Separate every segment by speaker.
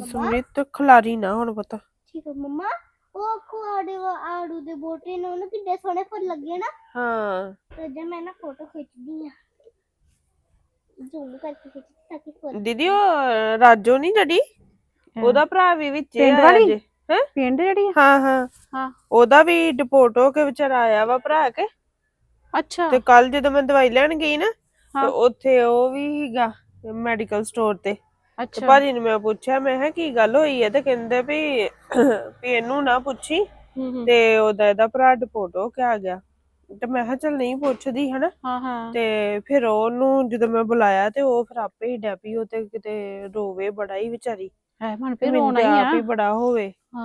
Speaker 1: ਸਮਰੀਤ ਖਿਲਾਰੀ ਨਾ ਹੁਣ ਪਤਾ
Speaker 2: ਠੀਕ ਹੈ ਮੰਮਾ ਉਹ ਕੁਆੜੇ ਆੜੂ ਦੇ ਬੋਟੇ ਨੇ ਉਹਨੂੰ ਕਿੱਡੇ ਸੋਹਣੇ ਫੁੱਲ ਲੱਗੇ ਨਾ
Speaker 1: ਹਾਂ
Speaker 2: ਤੇ ਜੇ ਮੈਂ ਨਾ ਫੋਟੋ ਖਿੱਚਦੀ ਆ ਜ਼ੂਮ ਕਰਕੇ ਖਿੱਚ ਤਾਂ ਕਿ ਫੁੱਲ
Speaker 1: ਦੀਦੀ ਉਹ ਰਾਜੋ ਨਹੀਂ ਜਿਹੜੀ ਉਹਦਾ ਭਰਾ ਵੀ ਵਿੱਚ
Speaker 3: ਪਿੰਡ
Speaker 1: ਆਇਆ
Speaker 3: ਵਾਲੀ
Speaker 1: ਜੇ ਹੈ
Speaker 3: ਪਿੰਡ ਜਿਹੜੀ ਆ?
Speaker 1: ਹਾਂ ਹਾਂ
Speaker 3: ਹਾਂ
Speaker 1: ਉਹਦਾ ਵੀ ਡਿਪੋਰਟ ਹੋ ਕੇ ਵਿਚਾਰਾ ਆਇਆ ਵਾ ਭਰਾ ਕੇ
Speaker 3: ਅੱਛਾ
Speaker 1: ਤੇ ਕੱਲ ਜਦੋਂ ਮੈਂ ਦਵਾਈ ਲੈਣ ਗਈ ਨਾ ਤੇ
Speaker 3: ਹਾਂ
Speaker 1: ਉੱਥੇ ਉਹ ਵੀ ਹੀਗਾ ਮੈਡੀਕਲ ਸਟੋਰ ਤੇ
Speaker 3: ਅੱਛਾ
Speaker 1: ਭਾਜੀ ਨੂੰ ਮੈਂ ਪੁੱਛਿਆ ਮੈਂ ਕਿਹਾ ਕੀ ਗੱਲ ਹੋਈ ਹੈ ਤੇ ਕਹਿੰਦੇ ਵੀ ਇਹਨੂੰ ਨਾ ਪੁੱਛੀ
Speaker 3: ਹੂੰ
Speaker 1: ਤੇ ਇਹਦਾ ਭਰਾ ਡਿਪੋਰਟ ਹੋ ਕੇ ਆ ਗਿਆ ਤੇ ਮੈਂ ਕਿਹਾ ਚੱਲ ਨਹੀਂ ਪੁੱਛਦੀ ਹਨਾ
Speaker 3: ਹਾਂ ਹਾਂ
Speaker 1: ਤੇ ਫਿਰ ਉਹਨੂੰ ਜਦੋਂ ਮੈਂ ਬੁਲਾਇਆ ਤੇ ਉਹ ਫਿਰ ਆਪੇ ਹੀ ਡੈਪੀ ਉਹ ਤੇ ਕਿਤੇ ਰੋਵੇ ਬੜਾ ਹੀ ਵਿਚਾਰੀ
Speaker 3: ਹੈ ਮਨ
Speaker 1: ਤੇ
Speaker 3: ਫੇਰ
Speaker 1: ਮੈਨੂੰ
Speaker 3: ਰੋਣਾ
Speaker 1: ਤੇ
Speaker 3: ਹੀ ਆ
Speaker 1: ਆਪ ਹੀ ਬੜਾ ਹੋਵੇ
Speaker 3: ਹਾਂ,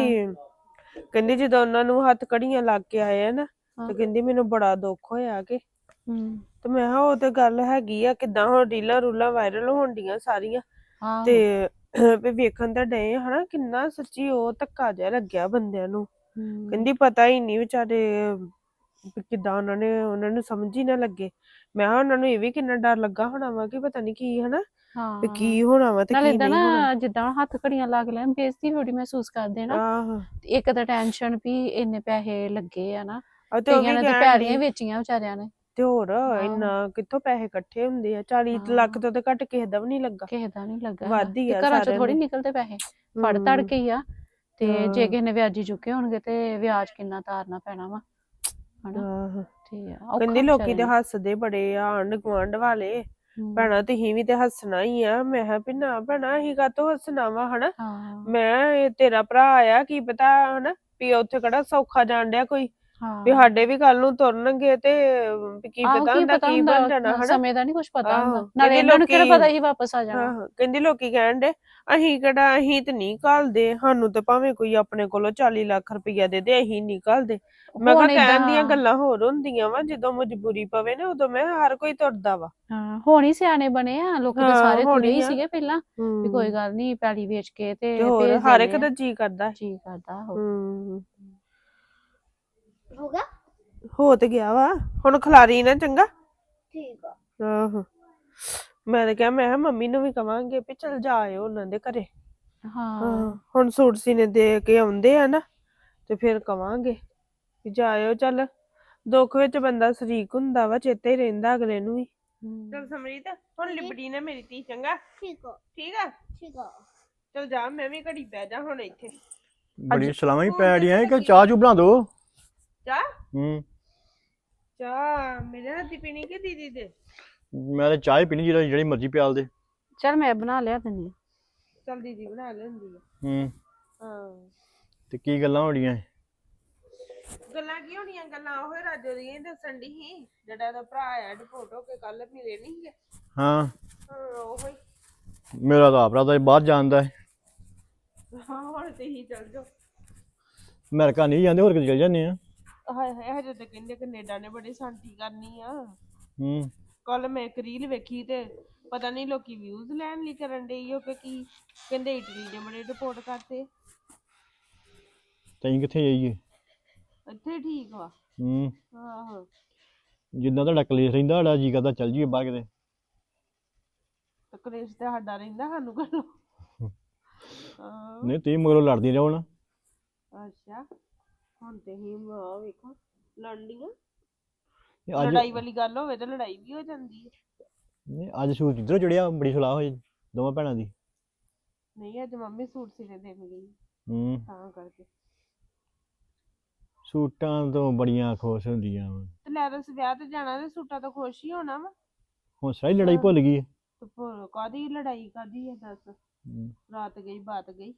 Speaker 1: ਕਹਿੰਦੀ ਜਦੋਂ ਉਹਨਾਂ ਨੂੰ ਹੱਥ ਘੜੀਆਂ ਲੱਗ ਕੇ ਆਏ ਆ ਨਾ
Speaker 3: ਹਾਂ।
Speaker 1: ਤੇ ਕਹਿੰਦੀ ਮੈਨੂੰ ਬੜਾ ਦੁੱਖ ਹੋਇਆ ਕਿ
Speaker 3: ਹੂੰ
Speaker 1: ਤੇ ਮੈਂ ਕਿਹਾ ਉਹ ਤੇ ਗੱਲ ਹੈਗੀ ਆ ਕਿਦਾਂ ਹੁਣ ਰੀਲਾਂ ਰੂਲਾਂ ਵਾਇਰਲ ਹੋਣ ਡੀਆਂ ਸਾਰੀਆਂ ਤੇ ਵੀ ਵੇਖਣ ਤਾਂ ਡਏ ਆ ਹਨਾ ਕਿੰਨਾ ਸੱਚੀ ਉਹ ਧੱਕਾ ਜਿਹਾ ਲੱਗਿਆ ਬੰਦਿਆਂ ਨੂੰ ਕਹਿੰਦੀ ਪਤਾ ਹੀ ਨਹੀਂ ਵਿਚਾਰੇ ਵੀ ਕਿੱਦਾਂ ਉਹਨਾਂ ਨੂੰ ਸਮਝ ਹੀ ਨਾ ਲੱਗੇ ਮੈਂ ਕਿਹਾ ਉਹਨਾਂ ਨੂੰ ਇਹ ਵੀ ਕਿੰਨਾ ਡਰ ਲੱਗਾ ਹੋਣਾ ਵਾ ਕਿ ਪਤਾ ਨਹੀਂ ਕੀ ਹਨਾ ਵੀ ਕੀ ਹੋਣਾ ਵਾ ਤੇ
Speaker 3: ਨਾਲੇ
Speaker 1: ਕੀ
Speaker 3: ਏਦਾਂ
Speaker 1: ਨਹੀਂ ਹੋਣਾ
Speaker 3: ਨਾ ਜਿੱਦਾਂ ਹੱਥ ਘੜੀਆਂ ਲੱਗ ਲੈਣ ਬੇਇੱਜ਼ਤੀ ਥੋੜੀ ਮਹਿਸੂਸ ਕਰਦੇ ਨਾ
Speaker 1: ਆਹੋ
Speaker 3: ਇੱਕ ਤਾਂ ਟੈਨਸ਼ਨ ਵੀ ਇੰਨੇ ਪੈਸੇ ਲੱਗੇ ਆ ਨਾ
Speaker 1: ਆ ਤੇ ਉਹ
Speaker 3: ਕਈਆਂ
Speaker 1: ਵੀ
Speaker 3: ਨੇ ਤੇ
Speaker 1: ਕਹਿਣ
Speaker 3: ਪੈਲੀਆਂ
Speaker 1: ਡਈ
Speaker 3: ਵੇਚੀਆਂ ਵਿਚਾਰਿਆਂ ਨੇ
Speaker 1: ਤੇ ਹੋਰ ਇੰਨਾ ਕਿੱਥੋਂ ਪੈਸੇ ਇਕੱਠੇ ਹੁੰਦੇ ਆ 40 ਲੱਖ ਤੋਂ ਤੇ ਘੱਟ ਕਿਸੇ ਦਾ ਵੀ ਨਹੀਂ ਲੱਗਾ
Speaker 3: ਕਿਸੇ ਦਾ ਨਹੀਂ ਲੱਗਾ
Speaker 1: ਵੱਧ ਹੀ
Speaker 3: ਤੇ
Speaker 1: ਆ
Speaker 3: ਘਰਾਂ ਚੋਂ
Speaker 1: ਸਾਰਿਆਂ
Speaker 3: ਥੋੜੀ
Speaker 1: ਦੇ
Speaker 3: ਨਿਕਲਦੇ ਪੈਸੇ ਫੜ ਤੜ ਕੇ ਹੀ ਆ ਤੇ ਜੇ ਕਿਸੇ ਨੇ ਵਿਆਜੀ ਚੁੱਕੇ ਹੋਣਗੇ ਤੇ ਵਿਆਜ ਕਿੰਨਾ ਤਾਰਨਾ ਪੈਣਾ ਵਾ ਹਨਾ
Speaker 1: ਆਹੋ
Speaker 3: ਠੀਕ ਆ
Speaker 1: ਕਹਿੰਦੀ
Speaker 3: ਔਖਾ
Speaker 1: ਲੋਕੀ ਤੇ ਹੱਸਦੇ ਬੜੇ ਆ ਆਂਢ ਗੁਆਂਢ ਵਾਲੇ ਭੈਣਾ ਤੁਸੀਂ ਵੀ ਤੇ ਹੱਸਣਾ ਹੀ ਆ ਮੈਂ ਕਿਹਾ ਵੀ ਨਾ ਭੈਣਾ ਅਸੀਂ ਕਾਹਤੋਂ ਹੱਸਣਾ ਵਾ ਹਨਾ
Speaker 3: ਹਾਂ
Speaker 1: ਮੈਂ ਇਹ ਤੇਰਾ ਭਰਾ ਆਇਆ ਕੀ ਪਤਾ ਹਨਾ ਵੀ ਉੱਥੇ ਕਿਹੜਾ ਸੌਖਾ ਜਾਣ ਡਿਆ ਕੋਈ ਵੀ
Speaker 3: ਹਾਂ
Speaker 1: ਸਾਡੇ ਵੀ ਕੱਲ ਨੂੰ ਤੁਰਨਗੇ ਤੇ ਵੀ ਕੀ
Speaker 3: ਆਹੋ
Speaker 1: ਪਤਾ
Speaker 3: ਕੀ
Speaker 1: ਹੁੰਦਾ
Speaker 3: ਪਤਾ
Speaker 1: ਕੀ ਬਣ ਜਾਣਾ
Speaker 3: ਹੁੰਦਾ
Speaker 1: ਹਨਾ
Speaker 3: ਸਮੇਂ ਦਾ ਨਹੀਂ ਕੁਝ ਪਤਾ ਹੁੰਦਾ
Speaker 1: ਆਹੋ
Speaker 3: ਨਾਲੇ
Speaker 1: ਕਹਿੰਦੀ
Speaker 3: ਇਹਨਾਂ ਨੂੰ ਕਿਹੜਾ
Speaker 1: ਲੋਕੀ
Speaker 3: ਪਤਾ ਹੀ ਵਾਪਸ ਆ ਜਾਣਾ
Speaker 1: ਆਹੋ ਕਹਿੰਦੀ ਲੋਕੀ ਕਹਿਣ ਦੇ ਅਸੀਂ ਤੇ ਨਹੀਂ ਘੱਲਦੇ ਸਾਨੂੰ ਤੇ ਭਾਵੇਂ ਕੋਈ ਆਪਣੇ ਕੋਲੋਂ 40 ਲੱਖ ਰੁਪਈਆ ਦੇ ਦੇ ਅਸੀਂ ਨਹੀਂ ਘੱਲਦੇ ਮੈਂ ਕਿਹਾ
Speaker 3: ਹੁਣ
Speaker 1: ਕਹਿਣ ਦੀਆਂ
Speaker 3: ਏਦਾਂ
Speaker 1: ਗੱਲਾਂ ਹੋਰ ਹੁੰਦੀਆਂ ਵਾ ਜਦੋਂ ਮਜਬੂਰੀ ਪਵੇ ਨਾ ਉਦੋਂ ਮੈਂ ਹਰ ਕੋਈ ਤੁਰਦਾ ਵਾ
Speaker 3: ਹਾਂ ਹੁਣ ਹੀ ਸਿਆਣੇ ਬਣੇ ਆ ਲੋਕੀ ਤਾਂ
Speaker 1: ਹਾਂ
Speaker 3: ਸਾਰੇ ਤੁਰੇ
Speaker 1: ਹੋਣੀ
Speaker 3: ਹੀ
Speaker 1: ਆ
Speaker 3: ਸੀਗੇ ਪਹਿਲਾਂ ਵੀ ਕੋਈ ਗੱਲ ਨਹੀਂ ਪੈਲੀ ਵੇਚ ਕੇ
Speaker 1: ਤੇ
Speaker 3: ਤੇ
Speaker 1: ਹੋਰ
Speaker 3: ਭੇਜ
Speaker 1: ਹਰ ਇੱਕ
Speaker 3: ਦਿੰਦੇ
Speaker 1: ਦਾ
Speaker 3: ਆ
Speaker 1: ਜੀ ਕਰਦਾ
Speaker 3: ਜੀ ਕਰਦਾ ਹੋ
Speaker 2: ਹੋਗਾ
Speaker 1: ਹੋ ਤੇ ਗਿਆ ਵਾ ਹੁਣ ਖਿਲਾਰੀ ਨਾ ਚੰਗਾ
Speaker 2: ਠੀਕ ਆ
Speaker 1: ਆਹੋ ਮੈਂ ਤਾਂ ਕਿਹਾ ਮੈਂ ਕਿਹਾ ਮੰਮੀ ਨੂੰ ਵੀ ਕਵਾਂਗੇ ਵੀ ਚਲ ਜਾ ਆਇਓ ਉਹਨਾਂ ਦੇ ਘਰੇ
Speaker 3: ਹਾਂ
Speaker 1: ਹੁਣ ਸੂਟ ਸੀਨੇ ਦੇ ਕੇ ਆਉਂਦੇ ਆ ਨਾ ਤੇ ਫਿਰ ਕਵਾਂਗੇ ਵੀ ਜਾਇਓ ਚੱਲ ਦੁੱਖ ਵਿੱਚ ਬੰਦਾ ਸ਼ਰੀਕ ਹੁੰਦਾ ਵਾ ਚੇਤੇ ਹੀ ਰਹਿੰਦਾ ਅਗਲੇ ਨੂੰ ਵੀ ਚਲ ਸਮਰੀਤ ਹੁਣ ਲਿਬੜੀ ਨਾ ਮੇਰੀ ਧੀ ਚੰਗਾ
Speaker 2: ਠੀਕ ਆ
Speaker 1: ਠੀਕ ਆ
Speaker 2: ਠੀਕ ਆ
Speaker 1: ਚਲ ਜਾ ਮੈਂ ਵੀ ਘੜੀ ਬਹਿ ਜਾ ਹੁਣ ਇੱਥੇ
Speaker 4: ਬੜੀ ਸਲਾਮਾਂ ਹੀ ਪੈ ਰਹੀਆਂ ਕਿ ਚਾਹ ਚੂ ਬਣਾ ਦੋ
Speaker 1: ਚਾਹ
Speaker 4: ਚਾਹ
Speaker 1: ਮੇਰੇ ਹੱਥੀ ਪੀਣੀ ਕਿ ਦੀਦੀ ਦੇ
Speaker 4: ਮੈਂ ਤਾਂ ਚਾਹ ਹੀ ਪੀਣੀ ਜਿਹੜੀ ਮਰਜ਼ੀ ਪਿਆਲ ਦੇ
Speaker 3: ਚਲ ਮੈਂ ਬਣਾ ਲਿਆ ਦਿੰਦੀ
Speaker 1: ਚਲ ਦੀਦੀ ਬਣਾ ਲੈਂਦੀ ਆ ਹਾਂ
Speaker 4: ਤੇ ਕੀ ਗੱਲਾਂ ਹੋ ਰਹੀਆਂ
Speaker 1: ਗੱਲਾਂ ਕੀ ਹੋਣੀਆਂ ਗੱਲਾਂ ਉਹ ਰਾਜੋ ਦੀਆਂ ਦੱਸਣ ਦੀ ਸੀ ਜਿਹੜਾ ਦਾ ਭਰਾ ਆਇਆ ਡਿਪੋਰਟ ਹੋ ਕੇ ਕੱਲ ਮਿਲੇ ਨਹੀਂ ਗਏ
Speaker 4: ਹਾਂ
Speaker 1: ਉਹ ਹੀ
Speaker 4: ਮੇਰਾ ਤਾਂ ਆਪਰਾ ਤਾਂ ਬਾਹਰ ਜਾਂਦਾ ਹੈ
Speaker 1: ਹਾਂ ਹੁਣ ਤੇ ਹੀ ਚੱਲ ਜਾਓ
Speaker 4: ਅਮਰੀਕਾ ਨਹੀਂ ਜਾਂਦੇ ਹੋਰ ਕਿਤੇ ਚਲ ਜਾਂਦੇ ਆ
Speaker 1: ਹਾਏ ਹਾਏ ਹਜੇ ਤੇ ਕਹਿੰਦੇ ਕੈਨੇਡਾ ਨੇ ਬੜੀ ਸ਼ਾਂਤੀ ਕਰਨੀ ਆ
Speaker 4: ਹੂੰ
Speaker 1: ਕੱਲ ਮੈਂ ਇੱਕ ਰੀਲ ਵੇਖੀ ਤੇ ਪਤਾ ਨਹੀਂ ਲੋਕੀ ਵਿਊਜ਼ ਲੈਣ ਲਈ ਕਰਨ ਡਈ ਹੋ ਕਿ ਕੀ ਕਹਿੰਦੇ ਇਟਲੀ ਨੇ ਬੜੇ ਡਿਪੋਰਟ ਕਰਤੇ
Speaker 4: ਤੈਂ ਕਿੱਥੇ ਜਾਈਏ
Speaker 1: ਇੱਥੇ ਠੀਕ ਵਾ ਆਹੋ
Speaker 4: ਜਿੱਦਾਂ ਤੁਹਾਡਾ ਕਲੇਸ਼ ਰਹਿੰਦਾ ਸਾਡਾ ਜੀ ਕਰਦਾ ਚੱਲ ਜੀਏ ਬਾਹਰ ਕਿਤੇ
Speaker 1: ਤੇ ਕਲੇਸ਼ ਤੇ ਸਾਡਾ ਰਹਿੰਦਾ ਸਾਨੂੰ ਘਰੋਂ
Speaker 4: ਨਹੀਂ ਤੁਸੀਂ ਮਗਰੋਂ ਲੜਦੀ ਰਹੋ ਨਾ
Speaker 1: ਅੱਛਾ ਹੁਣ ਤੇ ਹੀ ਵੇਖੋ ਲੜਨੀਆਂ
Speaker 4: ਅੱਜ
Speaker 1: ਲੜਾਈ ਵਾਲੀ ਗੱਲ ਹੋਵੇ ਤਾਂ ਲੜਾਈ ਵੀ ਹੋ ਜਾਂਦੀ ਹੈ
Speaker 4: ਨਹੀਂ ਅੱਜ ਸੂਟ ਕਿੱਧਰੋਂ ਚੜਿਆ ਬੜੀ ਸਲਾਹ ਹੋਈ ਦੋਵਾਂ ਭੈਣਾਂ ਦੀ
Speaker 1: ਨਹੀਂ ਅੱਜ ਮੰਮੀ ਸੂਟ ਸਿਲੇ ਦੇਣ ਗਈ ਤਾਂ ਕਰਕੇ
Speaker 4: ਸੂਟਾਂ ਤੋਂ ਬੜੀਆਂ ਖੁਸ਼ ਹੁੰਦੀਆਂ ਵਾ
Speaker 1: ਤੇ ਲੈ ਦੱਸ ਵਿਆਹ ਤੇ ਜਾਣਾ ਤੇ ਸੂਟਾਂ ਤੋਂ ਖੁਸ਼ ਹੀ ਹੋਣਾ ਵਾ
Speaker 4: ਹੁਣ ਸਾਰੀ ਲੜਾਈ ਭੁੱਲ ਗਈ ਹੈ
Speaker 1: ਤੇ ਕਾਦੀ ਲੜਾਈ ਕਾਦੀ ਹੈ ਦੱਸ ਰਾਤ ਗਈ ਬਾਤ ਗਈ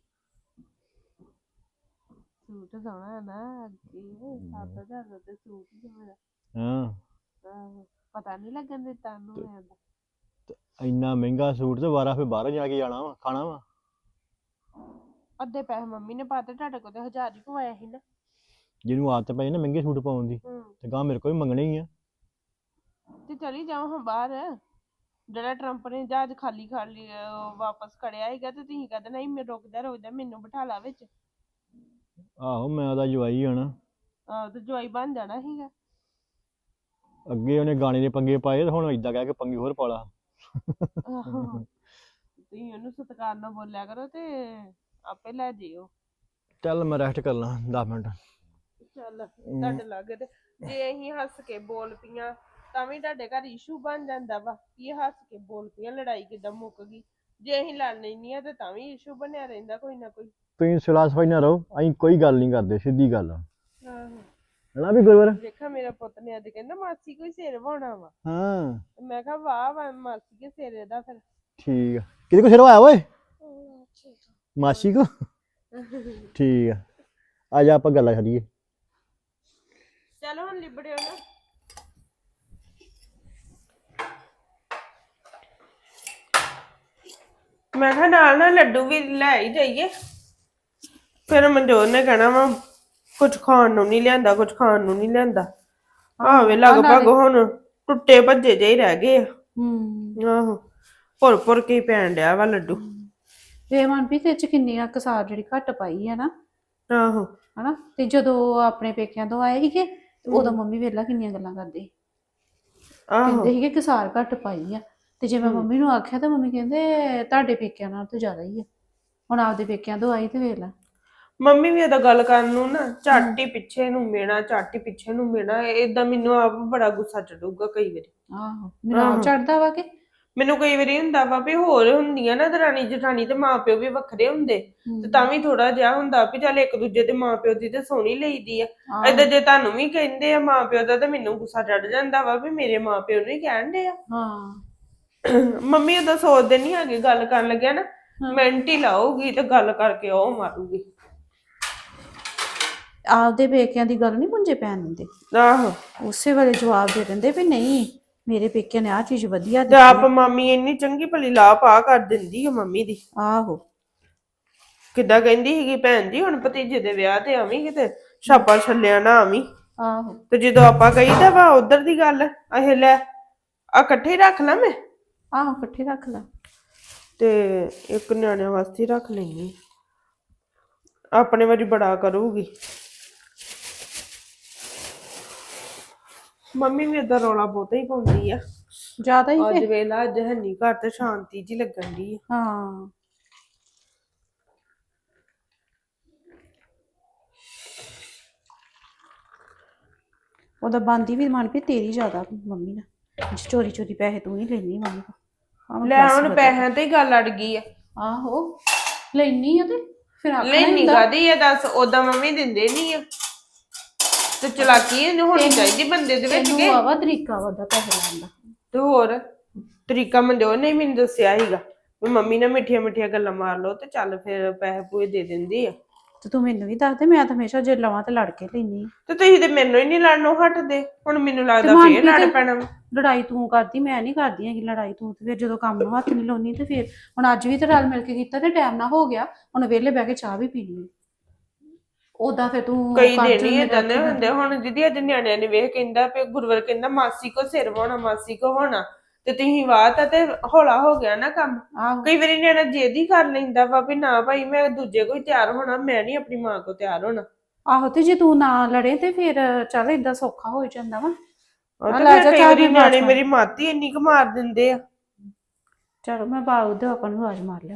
Speaker 1: ਸੂਟ ਸੋਹਣਾ ਨਾ ਅੱਗੇ 7,000 ਦਾ ਤੇ ਸੂਟ ਹੀ ਮੇਰਾ ਪਤਾ ਨਹੀਂ ਲੱਗਣ ਦਿੱਤਾ ਉਹਨੂੰ ਮੈਂ
Speaker 4: ਇੰਨਾ ਮਹਿੰਗਾ ਸੂਟ ਤੇ ਵਾਰਾ ਫਿਰ ਬਾਹਰ ਜਾ ਕੇ ਜਾਣਾ ਵਾ ਖਾਣਾ ਵਾ
Speaker 1: ਅੱਧੇ ਪੈਸੇ ਮੰਮੀ ਨੇ ਪਾਤੇ ਤੁਹਾਡੇ ਕੋਲ ਤੇ 1000 ਹੀ ਪਵਾਇਆ ਸੀ ਨਾ
Speaker 4: ਜਿਹਨੂੰ ਆਦਤ ਪਈ ਨਾ ਮਹਿੰਗੇ ਸੂਟ ਪਾਉਣ ਦੀ ਤੇ ਗਾਂ ਮੇਰੇ ਕੋਲ ਵੀ ਮੰਗਣੇ ਹੀ ਆ
Speaker 1: ਤੇ ਚਲੀ ਜਾਓ ਹਾਂ ਬਾਹਰ ਜਿਹੜਾ ਟਰੰਪ ਨੇ ਜਹਾਜ਼ ਖਾਲੀ ਵਾਪਸ ਕੜਿਆ ਹੈਗਾ ਤੇ ਤੁਸੀਂ ਕਹਿੰਦੇ ਨਹੀਂ ਮੈਂ ਰੁਕਦਾ ਮੈਨੂੰ ਬਿਠਾ ਲਾ ਵਿੱਚ
Speaker 4: ਆਹੋ ਮੈਂ ਉਹਦਾ ਜਵਾਈ ਹਣਾ
Speaker 1: ਤੇ ਜਵਾਈ ਬਣ ਜਾਣਾ ਸੀਗਾ
Speaker 4: ਅੱਗੇ ਉਹਨੇ ਗਾਣੇ ਦੇ ਪੰਗੇ ਪਾਏ ਤੇ ਹੁਣ ਏਦਾਂ ਕਹਿ ਕੇ ਪੰਗੇ ਹੋਰ ਪਾ ਲਾ
Speaker 1: ਤੁਸੀਂ ਉਹਨੂੰ ਸਤਿਕਾਰ ਨਾਲ ਬੋਲਿਆ ਕਰੋ ਤੇ ਆਪੇ ਲੈ ਜਿਓ।
Speaker 4: ਚੱਲ ਮੈਂ ਰੈਸਟ ਕਰ ਲਾਂ 10 ਮਿੰਟ।
Speaker 1: ਚੱਲ ਤੁਹਾਡੇ ਲਾਗੇ ਤੇ ਜੇ ਅਸੀਂ ਹੱਸ ਕੇ ਬੋਲ ਪਈਆਂ ਤਾਂ ਵੀ ਤੁਹਾਡੇ ਘਰ ਇਸ਼ੂ ਬਣ ਜਾਂਦਾ ਵਾ ਕਿ ਇਹ ਹੱਸ ਕੇ ਬੋਲ ਪਈਆਂ, ਲੜਾਈ ਕਿੱਦਾਂ ਮੁੱਕ ਗਈ। ਜੇ ਅਸੀਂ ਲੜ ਲੈਂਦੀਆਂ ਤੇ ਤਾਂ ਵੀ ਇਸ਼ੂ ਬਣਿਆ ਰਹਿੰਦਾ ਕੋਈ ਨਾ ਕੋਈ।
Speaker 4: ਤੁਸੀਂ ਸਿਲਾ ਸਫਾਈ ਨਾ ਰਹੋ, ਅਸੀਂ ਕੋਈ ਗੱਲ ਨਹੀਂ ਕਰਦੇ, ਸਿੱਧੀ ਗੱਲ ਆ।
Speaker 1: ਆਹੋ
Speaker 4: ਹਨਾ ਵੀ ਗੁਰਵਰ?
Speaker 1: ਵੇਖਾ ਮੇਰਾ ਪੁੱਤ ਨੇ ਅੱਜ ਕਹਿੰਦਾ ਮਾਸੀ ਕੋਈ ਸਿਰ ਵਾਉਣਾ ਵਾ।
Speaker 4: ਹਾਂ
Speaker 1: ਤੇ ਮੈਂ ਕਿਹਾ ਵਾਹ ਵਾ ਮਾਸੀ ਕੇ ਸਿਰ ਇਹਦਾ ਫਿਰ।
Speaker 4: ਠੀਕ ਆ। ਕਿਹਦੇ ਕੋ ਸਿਰ ਆਇਆ ਓਏ? ਮਾਸੀ ਕੋ? ਠੀਕ ਆ, ਆ ਜਾ ਆਪਾਂ ਗੱਲਾਂ ਕਰੀਏ।
Speaker 1: ਚਲੋ ਹੁਣ ਲਿਬੜਿਓ ਨਾ। ਮੈਂ ਕਿਹਾ ਨਾਲ ਲੱਡੂ ਵੀ ਲੈ ਹੀ ਜਾਈਏ, ਫਿਰ ਮਨਜੋਤ ਨੇ ਕਹਿਣਾ ਵਾ ਕੁਝ ਖਾਣ ਨੂੰ ਨਹੀਂ ਲਿਆਂਦਾ, ਕੁਝ ਖਾਣ ਨੂੰ ਨਹੀਂ ਲਿਆਂਦਾ। ਆਵੇ ਲਗਭਗ ਹੁਣ ਟੁੱਟੇ ਭੱਜੇ ਜਿਹੇ ਰਹਿ ਗਏ ਆ। ਆਹੋ ਭੁਰ ਭੁਰ ਕੇ ਪੈਣ ਡਿਆ ਵਾ ਲੱਡੂ।
Speaker 3: ਇਹ ਮਨਪ੍ਰੀਤ ਇਹ ਚ ਕਿੰਨੀ ਆ ਕਸਾਰ ਜਿਹੜੀ ਘੱਟ ਪਾਈ ਆ ਨਾ।
Speaker 1: ਆਹੋ
Speaker 3: ਹਨਾ ਤੇ ਜਦੋਂ ਆਪਣੇ ਪੇਕਿਆਂ ਤੋਂ ਆਏ ਸੀਗੇ ਤੇ ਉਦੋਂ ਮੰਮੀ ਵੇਲਾ ਕਿੰਨੀਆਂ ਗੱਲਾਂ ਕਰਦੇ
Speaker 1: ਆਹੋ
Speaker 3: ਕਹਿੰਦੇ ਸੀਗੇ ਕਸਾਰ ਘੱਟ ਪਾਈ ਆ। ਤੇ ਜੇ ਮੈਂ ਮੰਮੀ ਨੂੰ ਆਖਿਆ ਤਾਂ ਮੰਮੀ ਕਹਿੰਦੇ ਤੁਹਾਡੇ ਪੇਕਿਆਂ ਨਾਲ ਤਾਂ ਜ਼ਿਆਦਾ ਹੀ ਆ। ਹੁਣ ਆਪਦੇ ਪੇਕਿਆਂ ਤੋਂ ਆਈ ਤੇ ਵੇਲਾ
Speaker 1: ਮੰਮੀ ਵੀ ਇਹਦਾ ਗੱਲ ਕਰਨ ਨੂੰ ਨਾ ਝੱਟ ਹੀ ਪਿੱਛੇ ਨੂੰ ਮੇਣਾ, ਝੱਟ ਹੀ ਪਿੱਛੇ ਨੂੰ ਮੇਣਾ। ਏਦਾਂ ਮੈਨੂੰ ਆਪ ਬੜਾ ਗੁੱਸਾ ਚੜੂਗਾ ਕਈ ਵਾਰੀ।
Speaker 3: ਆਹੋ ਮੈਨੂੰ ਆਪ ਚੜਦਾ ਵਾ ਕਿ
Speaker 1: ਮੈਨੂੰ ਕਈ ਵਾਰੀ ਹੁੰਦਾ ਵਾ ਵੀ ਹੋਰ ਹੁੰਦੀਆਂ ਨਾ ਦਰਾਣੀ ਜਠਾਣੀ ਤੇ ਮਾਂ ਪਿਓ ਵੀ ਵੱਖਰੇ ਹੁੰਦੇ ਤੇ ਤਾਂ ਵੀ ਥੋੜਾ ਜਿਹਾ ਹੁੰਦਾ ਵੀ ਚੱਲ ਇੱਕ ਦੂਜੇ ਦੇ ਮਾਂ ਪਿਓ ਦੀ ਤੇ ਸੋਹਣੀ ਲਈਦੀ ਆ। ਏਦਾਂ ਜੇ ਤੁਹਾਨੂੰ ਵੀ ਕਹਿੰਦੇ ਆ ਮਾਂ ਪਿਓ ਦਾ ਤਾਂ ਮੈਨੂੰ ਗੁੱਸਾ ਚੜ ਜਾਂਦਾ ਵਾ ਵੀ ਮੇਰੇ ਮਾਂ ਪਿਓ ਨੂੰ ਹੀ ਕਹਿਣ ਦੇ ਆ। ਮੰਮੀ ਉਹਦਾ ਸੋਚਦੇ ਨਹੀਂ ਹੈਗੇ, ਗੱਲ ਕਰਨ ਲੱਗਿਆ ਨਾ ਮਿੰਟ ਹੀ ਲਾਊਗੀ ਤੇ ਗੱਲ ਕਰਕੇ ਉਹ ਮਾਰੂਗੀ।
Speaker 3: ਆਪਦੇ ਪੇਕਿਆਂ ਦੀ ਗੱਲ ਨਹੀਂ ਪੁੰਜੇ ਪੈਣ ਦਿੰਦੇ।
Speaker 1: ਆਹੋ
Speaker 3: ਉਸੇ ਵੇਲੇ ਜਵਾਬ ਦੇ ਦਿੰਦੇ ਵੀ ਨਹੀਂ ਮੇਰੇ ਪੇਕਿਆਂ ਨੇ ਆਹ ਚੀਜ਼ ਵਧੀਆ
Speaker 1: ਤੇ ਆਪ ਮਾਮੀ ਇੰਨੀ ਚੰਗੀ ਭਲੀ ਲਾਹ ਪਾ ਕਰ ਦਿੰਦੀ ਆ ਮੰਮੀ ਦੀ।
Speaker 3: ਆਹੋ
Speaker 1: ਕਿੱਦਾਂ ਕਹਿੰਦੀ ਸੀਗੀ ਭੈਣ ਜੀ ਹੁਣ ਭਤੀਜੇ ਦੇ ਵਿਆਹ ਤੇ ਆਵੀਂ ਕਿਤੇ ਛਾਪਾ ਛੱਲਿਆ ਨਾ ਆਵੀਂ।
Speaker 3: ਆਹੋ
Speaker 1: ਤੇ ਜਦੋਂ ਆਪਾਂ ਕਹੀਦਾ ਵਾ ਉਧਰ ਦੀ ਗੱਲ ਇਹ ਲੈ ਆ ਇਕੱਠੇ ਰੱਖ ਲਾ ਮੈਂ।
Speaker 3: ਆਹੋ ਇਕੱਠੇ ਰੱਖ ਲਾ
Speaker 1: ਤੇ ਇੱਕ ਨਿਆਣਿਆਂ ਵਾਸਤੇ ਰੱਖ ਲੈਣੀ, ਆਪਣੇ ਵਾਰੀ ਬੜਾ ਕਰੂਗੀ। ਮੰਮੀ ਵੀ ਏਦਾਂ ਰੌਲਾ ਬਹੁਤਾ ਹੀ ਪਾਉਂਦੀ ਆ
Speaker 3: ਜ਼ਿਆਦਾ ਹੀ
Speaker 1: ਅੱਜ ਵੇਲਾ। ਅੱਜ ਹੈਨੀ ਘਰ ਤੇ ਸ਼ਾਂਤੀ ਜੀ ਲੱਗਣ ਦੀ।
Speaker 3: ਹਾਂ ਉਹਦਾ ਬੰਦੀ ਵੀ ਮਨ ਵੀ ਤੇਰੀ ਜ਼ਿਆਦਾ ਮੰਮੀ ਨਾਲ। ਚੋਰੀ ਚੋਰੀ ਪੈਸੇ ਤੂੰ ਹੀ ਲੈਣੀ ਮੰਮੀ ਕੋਲ।
Speaker 1: ਲੈ ਹੁਣ ਪੈਸਿਆਂ ਤੇ ਹੀ ਗੱਲ ਅੜ ਗਈ ਆ।
Speaker 3: ਆਹੋ ਲੈਣੀ ਆ ਤੇ ਫਿਰ ਆਖਣਾ
Speaker 1: ਲੈਣੀ ਕਾਦੀ ਆ ਦੱਸ? ਓਦਾਂ ਮੰਮੀ ਦਿੰਦੇ ਨਹੀਂ ਆ ਤੇ ਚਲਾਕੀ ਹੋਣੀ ਚਾਹੀਦੀ ਬੰਦੇ ਦੇ ਵਿੱਚ।
Speaker 3: ਤੈਨੂੰ ਆਵਾ ਤਰੀਕਾ ਉਹਦਾ ਪੈਸੇ ਲੈਣ ਦਾ
Speaker 1: ਤੇ ਹੋਰ ਤਰੀਕਾ ਮਨਜੋਤ ਨੇ ਮੈਨੂੰ ਦੱਸਿਆ ਸੀਗਾ ਵੀ ਮੰਮੀ ਨਾਲ ਮਿੱਠੀਆਂ ਮਿੱਠੀਆਂ ਗੱਲਾਂ ਮਾਰ ਲਓ ਤੇ ਚੱਲ ਫਿਰ ਪੈਸੇ ਪੂਏ ਦੇ ਦਿੰਦੀ ਆ।
Speaker 3: ਤੇ ਤੂੰ ਮੈਨੂੰ ਵੀ ਦੱਸ ਦੇ, ਮੈਂ ਤਾਂ ਹਮੇਸ਼ਾ ਜੇ ਲਵਾਂ ਤੇ ਲੜ ਕੇ ਲੈਣੀ।
Speaker 1: ਤੇ ਤੁਸੀਂ ਤੇ ਮੈਨੂੰ ਹੀ ਨਹੀਂ ਲੜਨੋਂ ਹਟਦੇ, ਹੁਣ ਮੈਨੂੰ ਲੱਗਦਾ ਫੇਰ ਲੜ ਪੈਣਾ।
Speaker 3: ਲੜਾਈ ਤੂੰ ਕਰਦੀ, ਮੈਂ ਨਹੀਂ ਕਰਦੀ ਹੈਗੀ ਲੜਾਈ ਤੂੰ। ਤੇ ਫਿਰ ਜਦੋਂ ਕੰਮ ਨੂੰ ਹੱਥ ਨਹੀਂ ਲਾਉਣੀ ਤੇ ਫਿਰ ਹੁਣ ਅੱਜ ਵੀ ਤੇ ਰਲ ਮਿਲ ਕੇ ਕੀਤਾ ਤੇ ਟਾਈਮ ਨਾ ਹੋ ਗਿਆ। ਹੁਣ ਵਿਹਲੇ ਬਹਿ ਕੇ ਚਾਹ ਵੀ ਪੀਣੀ ਉਦਾਂ ਫਿਰ ਤੂੰ
Speaker 1: ਕਈ ਦਿਨ ਹੀ ਏਦਾਂ ਦੇ ਹੁੰਦੇ। ਹੁਣ ਦੀਦੀ ਅੱਜ ਨਿਆਣਿਆਂ ਨੇ ਵੇਖ ਕਹਿੰਦਾ ਵੀ ਗੁਰਵਰ ਕਹਿੰਦਾ ਮਾਸੀ ਕੋ ਸਿਰ ਵਾਉਣਾ, ਮਾਸੀ ਕੋ ਹੋਣਾ ਤੇ ਤੁਸੀਂ ਵਾਹ ਤਾਂ ਤੇ ਹੌਲਾ ਹੋ ਗਿਆ ਨਾ ਕੰਮ। ਕਈ ਵਾਰੀ ਨਿਆਣਾ ਜਿੱਦ ਹੀ ਕਰ ਲੈਂਦਾ ਵਾ ਵੀ ਨਾ ਭਾਈ ਮੈਂ ਦੂਜੇ ਕੋਈ ਤਿਆਰ ਹੋਣਾ, ਮੈਂ ਨਹੀਂ ਆਪਣੀ ਮਾਂ ਕੋ ਤਿਆਰ ਹੋਣਾ।
Speaker 3: ਆਹੋ ਤੇ ਜੇ ਤੂੰ ਨਾ ਲੜੇ ਤੇ ਫਿਰ ਚੱਲ ਏਦਾਂ ਸੌਖਾ ਹੋ ਜਾਂਦਾ ਵਾ।
Speaker 1: ਕਈ ਵਾਰੀ ਨਿਆਣੇ ਮੇਰੀ ਮਾਤੀ ਇੰਨੀ ਕੁ ਮਾਰ ਦਿੰਦੇ ਆ।
Speaker 3: ਚਲੋ ਮੈਂ ਬਾਹਰ ਦੇ ਆਪਾਂ ਨੂੰ ਆਵਾਜ਼ ਮਾਰ ਲਿਆ।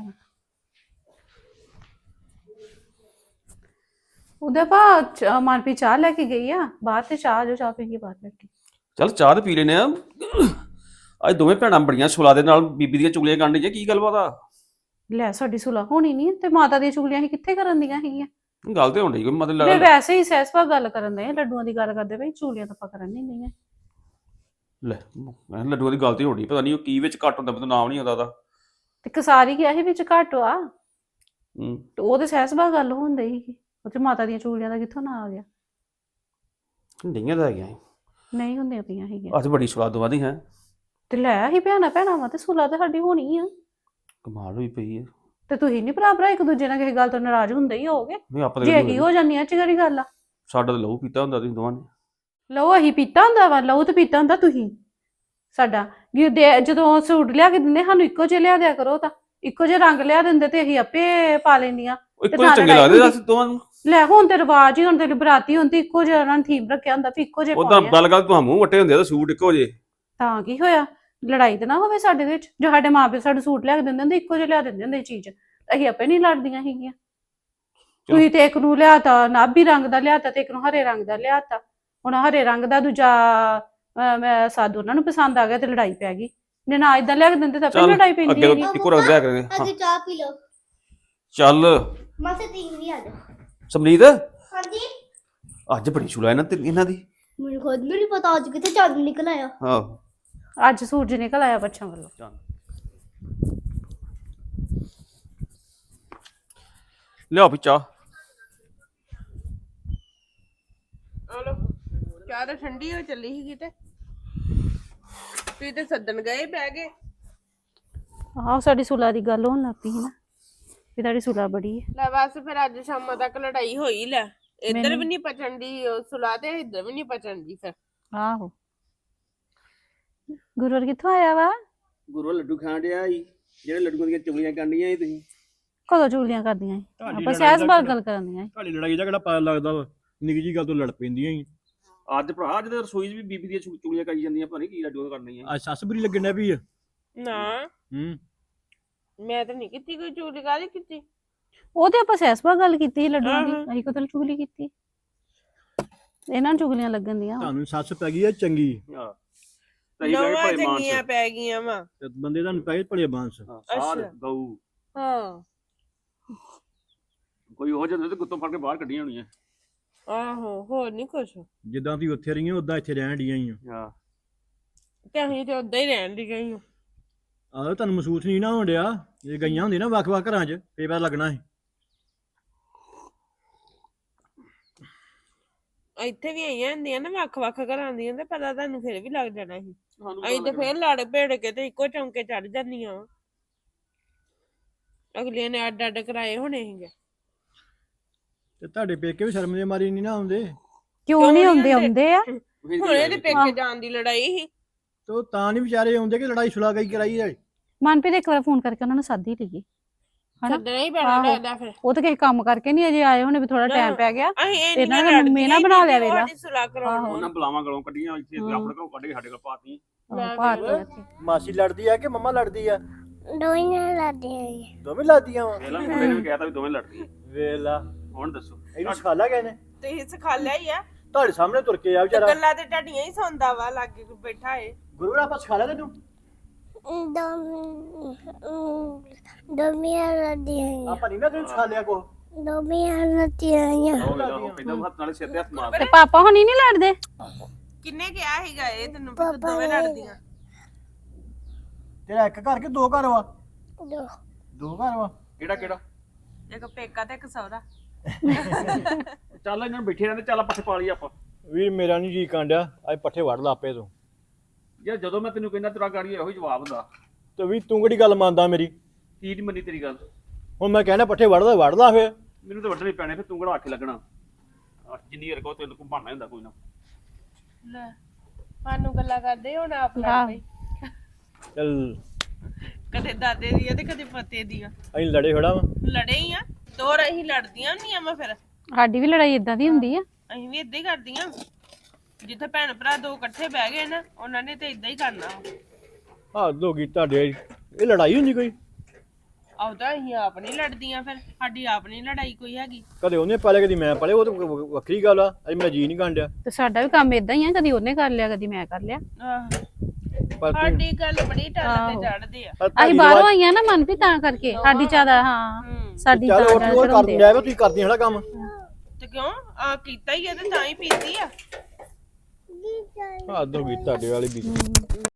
Speaker 3: ਉਹਦੇ ਪਾ ਮਨਪ੍ਰੀਤ ਚਾਹ ਲੈ ਕੇ ਗਈ ਆ ਬਾਹਰ ਤੇ ਚਾਹ ਜੋ ਚਾਹ ਪੀ ਕੇ ਬਾਹਰ ਬੈਠੀ।
Speaker 5: ਚੱਲ ਚਾਹ ਤੇ ਪੀ ਲੈਨੇ ਆ। ਅੱਜ ਦੋਵੇਂ ਭੈਣਾਂ ਬੜੀਆਂ ਸੁਲਾ ਦੇ ਨਾਲ ਬੀਬੀ ਦੀਆਂ ਚੁਗਲੀਆਂ ਕਰਨ ਦੀਆਂ, ਕੀ ਗੱਲਬਾਤ ਆ?
Speaker 3: ਲੈ ਸਾਡੀ ਸੁਲਾ ਹੋਣੀ ਨਹੀਂ ਤੇ ਮਾਤਾ ਦੀਆਂ ਚੁਗਲੀਆਂ ਹੀ ਕਿੱਥੇ ਕਰਨ ਦੀਆਂ ਹੈਗੀਆਂ?
Speaker 5: ਗੱਲ ਤੇ ਹੋਣੀ ਕੋਈ ਮਤਲਬ
Speaker 3: ਮੈਂ ਵੈਸੇ ਹੀ ਸਹਿਸਪਾ ਗੱਲ ਕਰਨ ਦੇ ਲੱਡੂਆਂ ਦੀ ਗੱਲ ਕਰਦੇ ਪਈ, ਚੁਗਲੀਆਂ ਤਾਂ ਆਪਾਂ ਕਰਨ ਨਹੀਂ ਗਈਆਂ।
Speaker 5: ਲੈ ਮੈਂ ਲੱਡੂਆਂ ਦੀ ਗੱਲ ਤੇ ਹੋਣੀ, ਪਤਾ ਨਹੀਂ ਉਹ ਕੀ ਵਿੱਚ ਘੱਟ ਹੁੰਦਾ, ਮੈਨੂੰ ਨਾਮ ਨਹੀਂ ਆਉਂਦਾ ਉਹਦਾ।
Speaker 3: ਤੇ ਕਸਾਰੀ ਗਿਆ ਸੀ ਵਿੱਚ ਘੱਟ ਆ ਤੇ ਉਹ ਤੇ ਸਹਿਸਪਾ ਗੱਲ ਹੁੰਦੀ ਸੀਗੀ। ਉਹ ਤੇ ਮਾਤਾ ਦੀਆਂ ਚੁਗਲੀਆਂ ਦਾ ਕਿੱਥੋਂ ਨਾ ਆ ਗਿਆ?
Speaker 5: ਡਈਆਂ ਤਾਂ ਹੈਗੀਆਂ
Speaker 3: ਨਹੀਂ ਹੁੰਦੀਆਂ ਪਈਆਂ ਹੈਗੀਆਂ।
Speaker 5: ਅੱਜ ਬੜੀ ਸੁਲਾ ਦਵਾ ਦੀ ਹੈ
Speaker 3: ਤੇ ਲੈ ਹੀ ਭੈਣਾਂ ਵਾ ਤੇ ਸੁਲਾ ਤੇ ਸਾਡੀ ਹੋਣੀ ਆ।
Speaker 5: ਕਮਾਲ ਹੋਈ ਪਈ ਹੈ।
Speaker 3: ਤੇ ਤੁਸੀਂ ਨੀ ਭਰਾ ਇੱਕ ਦੂਜੇ ਨਾਲ ਕਿਸੇ ਗੱਲ ਤੋਂ ਨਾਰਾਜ਼ ਹੁੰਦੇ ਹੀ ਹੋਗੇ?
Speaker 5: ਨਹੀਂ ਆਪਾਂ
Speaker 3: ਜੇ ਇਹੀ ਹੋ ਜਾਂਦੀ ਆ ਚਿਹਰੀ ਗੱਲ ਆ।
Speaker 5: ਸਾਡਾ ਤਾਂ ਲਹੂ ਪੀਤਾ ਹੁੰਦਾ ਤੁਸੀਂ ਦੋਵਾਂ ਨੇ।
Speaker 3: ਲਹੂ ਅਸੀਂ ਪੀਤਾ ਹੁੰਦਾ ਵਾ? ਲਹੂ ਤੇ ਪੀਤਾ ਹੁੰਦਾ ਤੁਸੀਂ ਸਾਡਾ। ਜਦੋਂ ਸੂਟ ਲਿਆ ਕੇ ਦਿੰਦੇ ਸਾਨੂੰ ਇੱਕੋ ਜਿਹੇ ਲਿਆ ਦਿਆ ਕਰੋ, ਤਾਂ ਇੱਕੋ ਜਿਹੇ ਰੰਗ ਲਿਆ ਦਿੰਦੇ ਤੇ ਅਸੀਂ ਆਪੇ ਪਾ ਲੈਂਦੀਆਂ।
Speaker 5: ਇੱਕੋ ਜਿਹੇ ਚੰਗੇ ਲੱਗਦੇ ਦੱਸ ਦੋਵਾਂ ਨੂੰ।
Speaker 3: ਲੈ ਹੁਣ ਤੇ ਰਿਵਾਜ ਹੀ, ਹੁਣ ਤੇ ਬਰਾਤੀ ਹੁੰਦੀ ਇੱਕੋ ਜਿਹਾ ਉਹਨਾਂ ਨੇ ਥੀਮ ਰੱਖਿਆ ਹੁੰਦਾ ਵੀ ਇੱਕੋ ਜਿਹੇ
Speaker 5: ਉਦਾਂ ਗੱਲ ਤੂੰ ਮੂੰਹ ਵੱਟੇ ਹੁੰਦੇ ਆ ਤਾਂ ਸੂਟ ਇੱਕੋ ਜਿਹੇ।
Speaker 3: ਤਾਂ ਕੀ ਹੋਇਆ? ਲੜਾਈ ਤੇ ਨਾ ਹੋਵੇ ਸਾਡੇ ਵਿੱਚ। ਜੋ ਸਾਡੇ ਮਾਪੇ ਸਾਨੂੰ ਸੂਟ ਲਿਆ ਕੇ ਦਿੰਦੇ ਹੁੰਦੇ ਇੱਕੋ ਜਿਹਾ ਲਿਆ ਦਿੰਦੇ ਹੁੰਦੇ ਚੀਜ਼, ਅਸੀਂ ਆਪੇ ਨਹੀਂ ਲੜਦੀਆਂ ਸੀਗੀਆਂ। ਤੁਸੀਂ ਤੇ ਇੱਕ ਨੂੰ ਲਿਆਤਾ ਨਾਭੀ ਰੰਗ ਦਾ ਲਿਆਤਾ ਤੇ ਇੱਕ ਨੂੰ ਹਰੇ ਰੰਗ ਦਾ ਲਿਆਤਾ। ਹੁਣ ਹਰੇ ਰੰਗ ਦਾ ਦੂਜਾ ਮੈਂ ਸਾਧੂ ਉਹਨਾਂ ਨੂੰ ਪਸੰਦ ਆ ਗਿਆ ਤੇ ਲੜਾਈ ਪੈ ਗਈ। ਨੇ ਨਾ ਇਦਾਂ ਲਿਆ ਕੇ ਦਿੰਦੇ ਤਾਂ ਆਪੇ ਲੜਾਈ ਪੈਂਦੀ
Speaker 5: ਅੱਗੇ
Speaker 3: ਹੈਗੀ।
Speaker 5: ਇੱਕੋ ਰੰਗ ਲਿਆ ਕਰਾਂਗੇ। ਹਾਂ
Speaker 2: ਅਸੀਂ ਚਾਹ ਪੀ ਲਓ।
Speaker 5: ਚੱਲ
Speaker 2: ਮਾਸੀ ਤੀ ਵੀ ਆ ਜਾ।
Speaker 5: ਸਮਰੀਤ
Speaker 2: ਹਾਂਜੀ
Speaker 5: ਅੱਜ ਬੜੀ ਛੁਲਾ ਇਹਨਾਂ ਦੀ।
Speaker 2: ਮੈਨੂੰ ਖੁਦ ਨਹੀਂ ਪਤਾ ਅੱਜ ਕਿਤੇ ਚੰਦ ਨਿਕਲ ਆਇਆ।
Speaker 5: ਆਹੋ
Speaker 3: ਅੱਜ ਸੂਰਜ ਨਿਕਲ ਆਇਆ ਬੱਚਿਆਂ ਵੱਲੋਂ।
Speaker 5: ਚੱਲ ਲਿਆਓ ਵੀ ਚਾਹ।
Speaker 1: ਹਲੋ ਚਾਹ ਤਾਂ ਠੰਡੀ ਹੋ ਚੱਲੀ ਸੀਗੀ ਤੇ ਤੁਸੀਂ ਤੇ ਸੱਦਣ ਗਏ ਬਹਿ ਗਏ।
Speaker 3: ਆਹੋ ਸਾਡੀ ਸੁਲਾ ਦੀ ਗੱਲ ਹੋਣ ਲੱਗ ਪਈ ਸੀ ਨਾ ਵੀ ਤੁਹਾਡੀ ਸੁਲਾ ਬੜੀ ਹੈ।
Speaker 1: ਲੈ ਬਸ ਫਿਰ ਅੱਜ ਸ਼ਾਮਾਂ ਤੱਕ ਲੜਾਈ ਹੋਈ ਲੈ। ਇੱਧਰ ਵੀ ਨਹੀਂ ਪਚਣ ਦੀ ਸੁਲਾ ਤੇ ਇੱਧਰ ਵੀ ਨਹੀਂ ਪਚਣ ਦੀ ਫਿਰ।
Speaker 3: ਆਹੋ ਗੁਰੂਰ ਕਿੱਥੋਂ ਆਇਆ ਵਾ?
Speaker 5: ਗੁਰੂ ਲੱਡੂ ਖਾਣ ਡਿਆ ਸੀ, ਜਿਹੜੇ ਲੱਡੂਆਂ ਦੀਆਂ ਚੁਗਲੀਆਂ ਕਰਨੀਆਂ ਸੀ ਤੁਸੀਂ।
Speaker 3: ਕਦੋਂ ਚੁਗਲੀਆਂ ਕਰਦੀਆਂ ਸੀ?
Speaker 4: ਤੁਹਾਡੀ
Speaker 3: ਆਪਾਂ
Speaker 4: ਲੜਾਈ
Speaker 3: ਸਹਿਜ
Speaker 4: ਦਾ
Speaker 3: ਬਾਤ
Speaker 4: ਕਿਹੜਾ-
Speaker 3: ਗੱਲ ਕਰਨੀਆਂ ਸੀ।
Speaker 4: ਤੁਹਾਡੀ ਲੜਾਈ ਦਾ ਕਿਹੜਾ ਪਤਾ ਲੱਗਦਾ ਵਾ, ਨਿੱਕੀ ਜੀ ਗੱਲ ਤੋਂ ਲੜ ਪੈਂਦੀਆਂ ਹੀ।
Speaker 5: ਅੱਜ ਭਰਾ ਅੱਜ ਤੇ ਰਸੋਈ 'ਚ ਵੀ ਬੀਬੀ ਦੀਆਂ ਚੁਗਲੀਆਂ ਕਰੀ ਜਾਂਦੀਆਂ, ਪਤਾ ਨਹੀਂ ਕੀ ਲੱਡੂ ਕਰਨੀਆਂ।
Speaker 4: ਅੱਜ ਸੱਸ ਬੁਰੀ ਲੱਗਣ ਡਿਆ ਵੀ ਆ।
Speaker 1: ਨਾ
Speaker 4: ਹੂੰ
Speaker 1: ਮੈਂ ਤਾਂ ਨਹੀਂ ਕੀਤੀ ਕੋਈ ਚੋਰੀ ਕਾਹਦੀ ਕੀਤੀ।
Speaker 3: ਉਹ ਤੇ ਆਪਾਂ ਸਹਿਜ ਬਾਤ ਗੱਲ ਕੀਤੀ ਸੀ ਲੱਡੂਆਂ ਦੀ,
Speaker 1: ਆਹੋ।
Speaker 3: ਅਸੀਂ ਕਦੋਂ ਚੁਗਲੀ ਕੀਤੀ? ਇਹਨਾਂ ਨੂੰ ਚੁਗਲੀਆਂ ਲੱਗਣ ਦੀਆਂ।
Speaker 4: ਤੁਹਾਨੂੰ ਸੱਸ ਪੈ ਗਈ ਆ ਚੰਗੀ
Speaker 5: ਹਾਂ ਤਈ ਬੈ
Speaker 1: ਨਵਾਂ
Speaker 5: ਭਲੇ
Speaker 1: ਚੰਗੀਆਂ
Speaker 5: ਮਾਨਸ।
Speaker 1: ਪੈ ਗਈਆਂ ਵਾ।
Speaker 4: ਤੇ ਬੰਦੇ ਤੁਹਾਨੂੰ ਪੈ ਗਏ ਭਲੇ ਬਾਂਸ।
Speaker 5: ਹਾਂ, ਸਾਧ
Speaker 1: ਅੱਛਾ।
Speaker 5: ਗਊ
Speaker 1: ਹਾਂ
Speaker 5: ਕੋਈ ਉਹ ਜਿਹੇ ਤੇ ਗੁੱਤੋਂ ਫੜ ਕੇ ਬਾਹਰ ਕੱਢੀਆਂ ਹੋਣੀਆਂ।
Speaker 1: ਆਹੋ ਹੋਰ ਨਹੀਂ ਕੁਛ
Speaker 4: ਜਿੱਦਾਂ ਤੁਸੀਂ ਉੱਥੇ ਰਹੀਆਂ ਉਦਾਂ ਇੱਥੇ ਰਹਿਣ ਡੀਆਂ ਹੀ ਆ।
Speaker 5: ਹਾਂ
Speaker 1: ਤੇ ਅਸੀਂ ਤੇ ਉਦਾਂ ਹੀ ਰਹਿਣ ਦੀ ਗਈ।
Speaker 4: ਆਹ ਤੁਹਾਨੂੰ ਮਹਿਸੂਸ ਨਹੀਂ ਨਾ ਹੋਣ ਡਿਆ, ਜੇ ਗਈਆਂ ਹੁੰਦੀਆਂ ਨਾ ਵੱਖ-ਵੱਖ ਘਰਾਂ 'ਚ ਫੇਰ ਪਤਾ ਲੱਗਣਾ ਸੀ।
Speaker 1: ਇੱਥੇ ਵੀ ਆਈਆਂ ਹੁੰਦੀਆਂ ਨਾ ਵੱਖ-ਵੱਖ ਘਰਾਂ ਦੀਆਂ ਤੇ ਪਤਾ ਤੁਹਾਨੂੰ ਫਿਰ ਵੀ ਲੱਗ ਜਾਣਾ ਸੀ।
Speaker 5: ਸਾਨੂੰ
Speaker 1: ਅਸੀਂ ਤੇ ਫੇਰ ਲੜ ਭੇੜ ਕੇ ਤੇ ਇੱਕੋ ਚੌਂਕੇ ਚੜ ਜਾਂਦੀਆਂ ਵਾਂ। ਅਗਲੀਆਂ ਨੇ ਅੱਡ ਅੱਡ ਕਰਾਏ ਹੋਣੇ ਸੀਗੇ।
Speaker 4: ਤੇ ਤੁਹਾਡੇ ਪੇਕੇ ਵੀ ਸ਼ਰਮ ਦੇ ਮਾਰੀ ਨਹੀਂ ਨਾ ਆਉਂਦੇ।
Speaker 3: ਕਿਉਂ ਨਹੀਂ
Speaker 1: ਨੀ
Speaker 3: ਆਉਂਦੇ?
Speaker 1: ਆਉਂਦੇ?
Speaker 3: ਆਉਂਦੇ ਆ।
Speaker 1: ਹੁਣ ਇਹਦੇ ਪੇਕੇ ਜਾਣ ਦੀ ਲੜਾਈ ਸੀ।
Speaker 4: ਤੇ ਉਹ ਤਾਂ ਨਹੀਂ ਵਿਚਾਰੇ ਆਉਂਦੇ ਕਿ ਲੜਾਈ ਸੁਲਾ ਗਈ ਕਰਾਈ ਹੈ।
Speaker 3: ਮਨਪ੍ਰੀਤ ਇੱਕ ਵਾਰ ਫੋਨ ਕਰਕੇ ਉਹਨਾਂ ਨੂੰ ਸੱਦ ਹੀ ਲਈਏ ਹਨਾ।
Speaker 1: ਸੱਦਣਾ ਹੀ ਪੈਣਾ
Speaker 3: ਆਹੋ।
Speaker 1: ਲੱਗਦਾ ਫਿਰ।
Speaker 3: ਉਹ ਤਾਂ ਕਿਸੇ ਕੰਮ ਕਰਕੇ ਨਹੀਂ ਅਜੇ ਆਏ ਹੋਣੇ, ਵੀ ਥੋੜਾ ਟਾਈਮ ਪੈ ਗਿਆ।
Speaker 1: ਅਸੀਂ ਇਹ
Speaker 3: ਇਹਨਾਂ
Speaker 1: ਨਹੀਂ
Speaker 3: ਨੇ ਮੰਮੀ ਨਾ ਬਣਾ ਲਿਆ ਵੇਲਾ।
Speaker 1: ਸੁਲਾ ਕਰਾਉਣ
Speaker 5: ਉਹਨਾਂ ਬੁਲਾਵਾਂ ਗਲੋਂ ਕੱਢੀਆਂ ਇੱਥੇ
Speaker 3: ਹਾਂ।
Speaker 5: ਆਪਣੇ ਘਰੋਂ ਕੱਢ ਕੇ ਸਾਡੇ ਕੋਲ ਪਾਤੀ।
Speaker 4: ਮਾਸੀ ਲੜਦੀ ਆ ਕਿ ਮੰਮਾ ਲੜਦੀ ਆ?
Speaker 2: ਦੋਈਆਂ ਲਾਦੇ ਆ।
Speaker 4: ਦੋਵੇਂ ਲੜਦੀਆਂ ਵਾ।
Speaker 5: ਪਹਿਲਾਂ ਮੁੰਡੇ ਨੇ ਕਹਿਤਾ ਵੀ ਦੋਵੇਂ ਲੜਦੀਆਂ।
Speaker 4: ਵੇਲਾ
Speaker 5: ਹੁਣ ਦੱਸੋ
Speaker 4: ਇਹਨੂੰ ਸਿਖਾ ਲਿਆ ਗਏ ਨੇ?
Speaker 1: ਤੁਸੀਂ ਸਿਖਾ ਲਿਆ ਹੀ ਆ।
Speaker 4: ਤੁਹਾਡੇ ਸਾਹਮਣੇ ਤੁਰ ਕੇ ਆ ਵਿਚਾਰਾ।
Speaker 1: ਗੱਲਾਂ ਤੇ ਢਾਡੀਆਂ ਹੀ ਸੌਂਦਾ ਵਾ ਲਾਗੇ ਕੋਈ ਬੈਠਾ ਏ।
Speaker 4: ਗੁਰੂ ਨੇ ਆਪਾਂ ਸਿਖਾ ਲਿਆ ਤੈਨੂੰ?
Speaker 2: ਦੋਮੀਆਂ ਲਾਦੇ ਆ।
Speaker 4: ਆਪਾਂ ਨਹੀਂ ਨਾ ਤੈਨੂੰ ਸਿਖਾ ਲਿਆ ਕੋ।
Speaker 2: ਦੋਮੀਆਂ ਲਾਦੇ ਆ।
Speaker 5: ਉਹ ਵੇਲਾ ਉਹ ਕਹਿੰਦਾ ਹੱਥ ਨਾਲ ਸਿਰ ਤੇ ਹੱਥ ਮਾਰ
Speaker 3: ਤੇ ਪਾਪਾ ਹੁਣੀ ਨਹੀਂ ਲੜਦੇ?
Speaker 1: ਕਿੰਨੇ ਕਿਹਾ ਸੀਗਾ ਇਹ ਤੈਨੂੰ ਵੀ ਤੂੰ ਦੋਵੇਂ ਲੜਦੀਆਂ?
Speaker 4: ਤੇਰਾ ਇੱਕ ਘਰ ਕਿ ਦੋ ਘਰ ਵਾ?
Speaker 2: ਦੋ
Speaker 4: ਦੋ ਘਰ ਵਾ।
Speaker 5: ਕਿਹੜਾ ਕਿਹੜਾ
Speaker 1: ਇੱਕ ਪੇਕਾ ਤੇ ਇੱਕ ਸਹੁਰਾ।
Speaker 5: ਚੱਲ ਇਹਨਾਂ ਨੂੰ ਬੈਠੇ ਰਹਿੰਦੇ, ਚੱਲ ਪੱਠੇ ਪਾ ਲਈ ਆਪਾਂ।
Speaker 4: ਵੀਰ ਮੇਰਾ ਨਹੀਂ ਜੀ ਕਾਂਡਿਆ, ਅੱਜ ਪੱਠੇ ਵੜ ਲਾ ਆਪੇ ਤੂੰ।
Speaker 5: ਯਾਰ ਜਦੋਂ ਮੈਂ ਤੈਨੂੰ ਕਹਿੰਦਾ ਤੇਰਾ ਗਾੜੀ ਇਹੋ ਹੀ ਜਵਾਬ ਹੁੰਦਾ।
Speaker 4: ਤੇ ਵੀ ਤੂੰ ਕਿਹੜੀ ਗੱਲ ਮੰਨਦਾ ਮੇਰੀ?
Speaker 5: ਕੀ ਨਹੀਂ ਮੰਨੀ ਤੇਰੀ ਗੱਲ?
Speaker 4: ਹੁਣ ਮੈਂ ਕਹਿੰਦਾ ਪੱਠੇ ਵੜ ਲਾ ਫੇਰ।
Speaker 5: ਮੈਨੂੰ ਤਾਂ ਵੱਢਣੇ ਪੈਣੇ, ਫਿਰ ਤੂੰ ਕਿਹੜਾ ਆਖੇ ਲੱਗਣਾ। ਜਿੰਨੀ ਵਾਰ ਕਹੋ ਤੈਨੂੰ ਕੋਈ ਬਹਾਨਾ ਹੁੰਦਾ ਕੋਈ ਨਾ।
Speaker 1: ਲੈ ਸਾਨੂੰ ਗੱਲਾਂ ਕਰਦੇ ਹੁਣ ਆਪ ਲੜ
Speaker 3: ਆਹ।
Speaker 1: ਪਈ।
Speaker 4: ਚੱਲ
Speaker 1: ਕਦੇ ਦਾਦੇ ਦੀ ਆ ਤੇ ਕਦੇ ਪੋਤੇ ਦੀ ਆ।
Speaker 4: ਅਸੀਂ ਲੜੇ ਖੜਾ ਵਾ।
Speaker 1: ਲੜੇ ਹੀ ਆ ਦੋ ਰਹੀ ਲੜਦੀਆਂ ਹੁੰਦੀਆਂ ਵਾ ਫਿਰ।
Speaker 3: ਸਾਡੀ ਵੀ ਲੜਾਈ ਇਦਾਂ ਦੀ ਹੁੰਦੀ ਆ।
Speaker 1: ਅਸੀਂ ਵੀ ਏਦਾਂ ਹੀ ਕਰਦੀਆਂ। ਜਿੱਥੇ ਭੈਣ ਭਰਾ ਦੋ ਇਕੱਠੇ ਬਹਿ ਗਏ ਨਾ ਉਹਨਾਂ ਨੇ ਤੇ ਏਦਾਂ ਹੀ ਕਰਨਾ।
Speaker 4: ਹੱਦ ਹੋ ਗਈ ਤੁਹਾਡੇ। ਇਹ ਲੜਾਈ ਹੁੰਦੀ ਕੋਈ?
Speaker 1: ਆਉਦਾ ਅਸੀਂ ਆਪ ਨਹੀਂ ਲੜਦੀਆਂ ਫਿਰ ਸਾਡੀ ਆਪ ਨਹੀਂ ਲੜਾਈ ਕੋਈ ਹੈਗੀ।
Speaker 4: ਕਦੇ ਉਹਨੇ ਪਾਲੇ ਕਦੀ ਮੈਂ ਪਾਲੇ, ਉਹ ਤਾਂ ਵੱਖਰੀ ਗੱਲ ਆ। ਅੱਜ ਮੇਰਾ ਜੀ ਨਹੀਂ ਕਾਂਡਿਆ।
Speaker 3: ਤੇ ਸਾਡਾ ਵੀ ਕੰਮ ਇਦਾਂ ਹੀ ਆ, ਕਦੀ ਉਹਨੇ ਕਰ ਲਿਆ ਕਦੀ ਮੈਂ ਕਰ ਲਿਆ।
Speaker 1: ਆਹ
Speaker 4: ਪਰ ਤੂੰ
Speaker 1: ਸਾਡੀ ਗੱਲ ਬੜੀ ਟੱਲ ਤੇ ਚੜਦੇ ਆ।
Speaker 3: ਅਸੀਂ ਬਾਹਰੋਂ ਆਈਆਂ ਨਾ ਮਨਪ੍ਰੀਤ ਤਾਂ ਕਰਕੇ ਸਾਡੀ ਜ਼ਿਆਦਾ ਹਾਂ ਸਾਡੀ
Speaker 4: ਚੱਲ
Speaker 3: ਤਾਂ
Speaker 4: ਉਹ
Speaker 3: ਜ਼ਿਆਦਾ
Speaker 4: ਕਰ
Speaker 3: ਚੜਾਉਂਦੇ ਆ।
Speaker 4: ਜਾਏ ਤੁਸੀਂ ਕਰਦੀਆਂ ਹੜਾ ਕੰਮ।
Speaker 1: ਤੇ ਕਿਉਂ ਆ ਕੀਤਾ ਹੀ ਆ ਤੇ ਤਾਂ ਹੀ ਪੀਤੀ ਆ।
Speaker 4: ਹੱਦ ਹੋ ਗਈ ਤੁਹਾਡੇ ਵਾਲੀ ਵੀ।